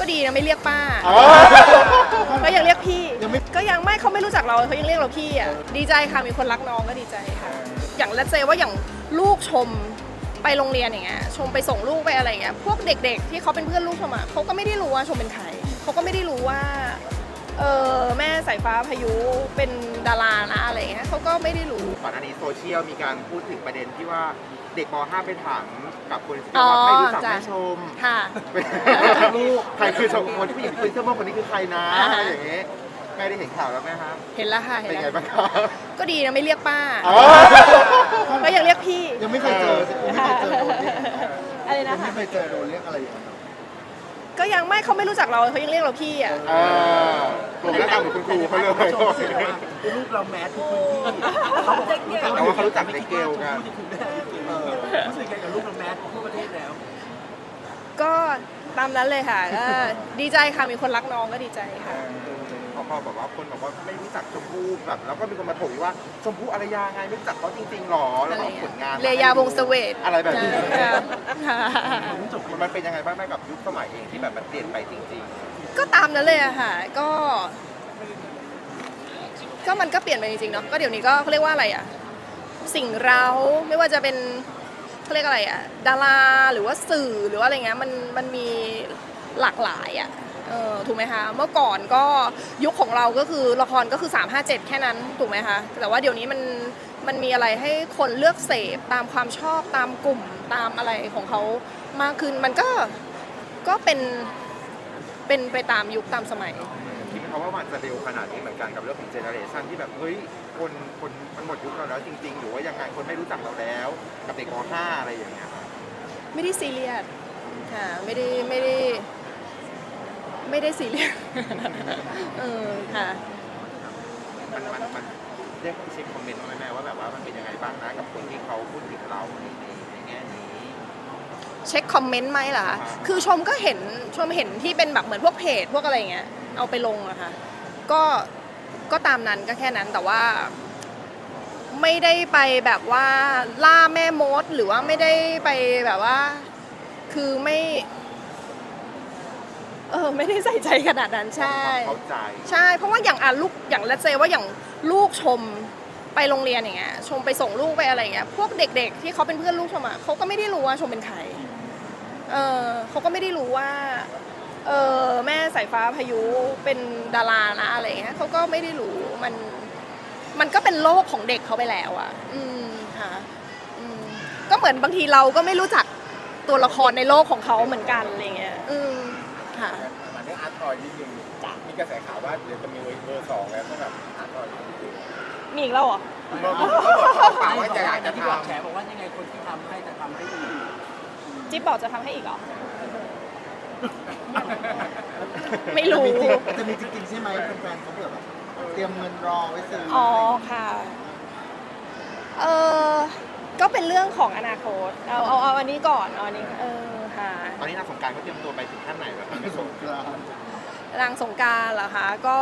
ดีนะไม่เรียกป้าก็ยังเรียกพี่ก็ยังไม่เขาไม่รู้จักเราเขายังเรียกเราพี่อ่ะดีใจค่ะมีคนรักน้องก็ดีใจค่ะอย่างlet's sayว่าอย่างลูกชมไปโรงเรียนอย่างเงี้ยชมไปส่งลูกไปอะไรเงี้ยพวกเด็กๆที่เขาเป็นเพื่อนลูกชมอ่ะเขาก็ไม่ได้รู้ว่าชมเป็นใครเขาก็ไม่ได้รู้ว่าแม่สายฟ้าพายุเป็นดารานะอะไรเงี้ยเขาก็ไม่ได้รู้ก่อนหน้านี้โซเชียลมีการพูดถึงประเด็นที่ว่าเด็กม .5 ไปถามกับคนที่ว่าไม่รู้จักแม่ชมค่ะลูกใครคือชมคนผู้หญิงคือเสื้อม่วงคนนี้คือใครนะอะไรอย่างเงี้ยแม่ได้เห็นข่าวแล้วไหมครับเห็นแล้วค่ะเป็นไงบ้างครับก็ดีนะไม่เรียกป้าก็ยังเรียกพี่ยังไม่เคยเจออะไรนะคะไม่เคยเจอโดนเรียกอะไรอย่างเงี้ยก็ยังไม่เขาไม่รู้จักเราเขายังเรียกเราพี่อ่ะกลุ่มแล้วตามคุณครูเขาเลยลูกเราแมสทุกพื้นที่เขาบอกว่าเขารู้จักเด็กเกลกันรู้สึกไงกับลูกเราแมสทั่วประเทศแล้วก็ตามนั้นเลยค่ะก็ดีใจค่ะมีคนรักน้องก็ดีใจค่ะพอแบบว่าคนบอกว่าไม่รู้จักชมพู่แบบแล้วก็มีคนมาถกว่าชมพู่อารยาไงไม่รู้จักเขาจริงๆหรอแล้วก็ผลงานเรยาวงศ์เสวตอะไรแบบนี้มันเป็นยังไงบ้างแม่กับยุคสมัยเองที่แบบมันเปลี่ยนไปจริงๆก็ตามนั้นเลยอะค่ะก็มันก็เปลี่ยนไปจริงๆเนาะก็เดี๋ยวนี้ก็เขาเรียกว่าอะไรอะสิ่งเราไม่ว่าจะเป็นเขาเรียกอะไรอะดาราหรือว่าสื่อหรือว่าอะไรเงี้ยมันมีหลากหลายอะถูกไหมคะเมื่อก่อนก็ยุคของเราก็คือละครก็คือ357แค่นั้นถูกไหมคะแต่ว่าเดี๋ยวนี้มันมีอะไรให้คนเลือกเสพตามความชอบตามกลุ่มตามอะไรของเขามากขึ้นมันก็เป็นไปตามยุคตามสมัยคิดไหมว่ามันจะเร็วขนาดนี้เหมือนกันกับเรื่องของเจเนอเรชันที่แบบเฮ้ยคนมันหมดยุคเราแล้วจริงๆหรือว่ายังไงคนไม่รู้จักเราแล้วกับเด็กม .5 อะไรอย่างเงี้ยไม่ได้ซีเรียสค่ะไม่ได้ซีเรียสค่ะมันเรียกเช็คคอมเมนต์ไหมแม่ว่าแบบว่ามันเป็นยังไงบ้างนะกับคนที่เขาพูดถึงเราในแง่นี้เช็คคอมเมนต์ไหมล่ะคือชมเห็นที่เป็นแบบเหมือนพวกเพจพวกอะไรเงี้ยเอาไปลงอะค่ะก็ตามนั้นก็แค่นั้นแต่ว่าไม่ได้ไปแบบว่าล่าแม่มดหรือว่าไม่ได้ไปแบบว่าคือไม่ได้ใส่ใจขนาดนั้นใช่ใช่เพราะว่าอย่างลูกอย่างlet's sayว่าอย่างลูกชมไปโรงเรียนอย่างเงี้ยชมไปส่งลูกไปอะไรเงี้ยพวกเด็กๆที่เขาเป็นเพื่อนลูกชมอ่ะเขาก็ไม่ได้รู้ว่าชมเป็นใครเขาก็ไม่ได้รู้ว่าแม่สายฟ้าพายุเป็นดารานะอะไรเงี้ยเขาก็ไม่ได้รู้มันก็เป็นโลกของเด็กเขาไปแล้วอ่ะค่ะก็เหมือนบางทีเราก็ไม่รู้จักตัวละครในโลกของเขาเหมือนกันอะไรเงี้ยค่ะมาได้อาร์ตทอยนิดนึงมีกระแสข่าวว่าเดี๋ยวจะมีเบอร์2แล้วสำหรับอาร์ตทอยมีอีกแล้วเหรอฝากว่าจะอยากจะที่บอกแฉบอกว่ายังไงคนที่ทำให้จะทำให้ดีจิ๊บบอกจะทำให้อีกเหรอไม่รู้จะมีจริงๆใช่ไหมแฟนๆเขาเผื่อแบบเตรียมเงินรอไว้ซื้ออ๋อค่ะก็เป็นเรื่องของอนาคตเอาอันนี้ก่อนอันนี้ค่ะตอนนี้นางสงกรานต์เขาเตรียมตัวไปถึงขั้นไหนแล้วครับสงกรานต์นางสงกรานต์เหรอคะก็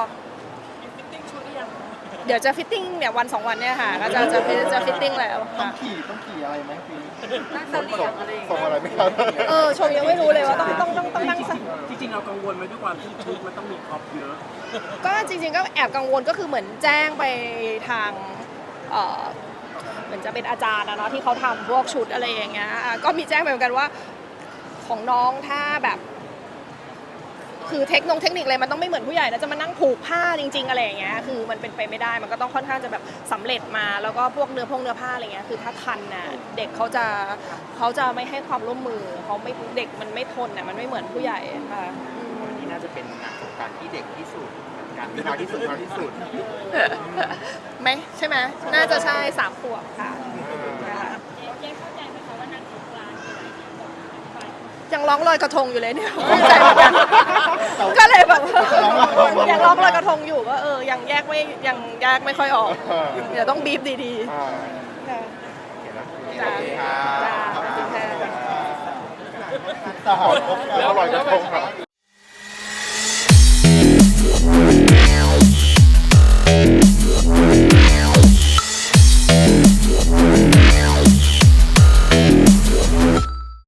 เดี๋ยวจะฟิตติ้งเนี่ยวัน2วันเนี่ยค่ะก็จะฟิตติ้งแล้วต้องขี่อะไรไหมปีนั่งเสลียงอะไรส่งอะไรไม่ครับชมยังไม่รู้เลยว่าต้องนั่งจริงๆเรากังวลไหมด้วยความที่ชุดมันต้องมีครอปเยอะก็จริงๆก็แอบกังวลก็คือเหมือนแจ้งไปทางเหมือนจะเป็นอาจารย์นะเนาะที่เขาทำพวกชุดอะไรอย่างเงี้ยก็มีแจ้งไปเหมือนกันว่าของน้องถ้าแบบคือเทคนิคอะไรมันต้องไม่เหมือนผู้ใหญ่นะจะมานั่งผูกผ้าจริงๆอะไรอย่างเงี้ยคือมันเป็นไปไม่ได้มันก็ต้องค่อนข้างจะแบบสำเร็จมาแล้วก็พวกเนื้อผ้าอะไรเงี้ยคือถ้าคันน่ะเด็กเขาจะไม่ให้ความร่วมมือเขาไม่เด็กมันไม่ทนน่ะมันไม่เหมือนผู้ใหญ่ค่ะนี่น่าจะเป็นงานสงกรานต์ที่เด็กที่สุดการที่น้อยที่สุดไหมใช่ไหมน่าจะใช่3 ขวบค่ะยังร้องลอยกระทงอยู่เลยเนี่ยไม่ใจเหมือนกันก็เลยแบบยังร้องลอยกระทงอยู่ก็ยังแยกไม่ค่อยออกเดี๋ยวต้องบีบดีๆจ้าแล้วลอยกระทงครับ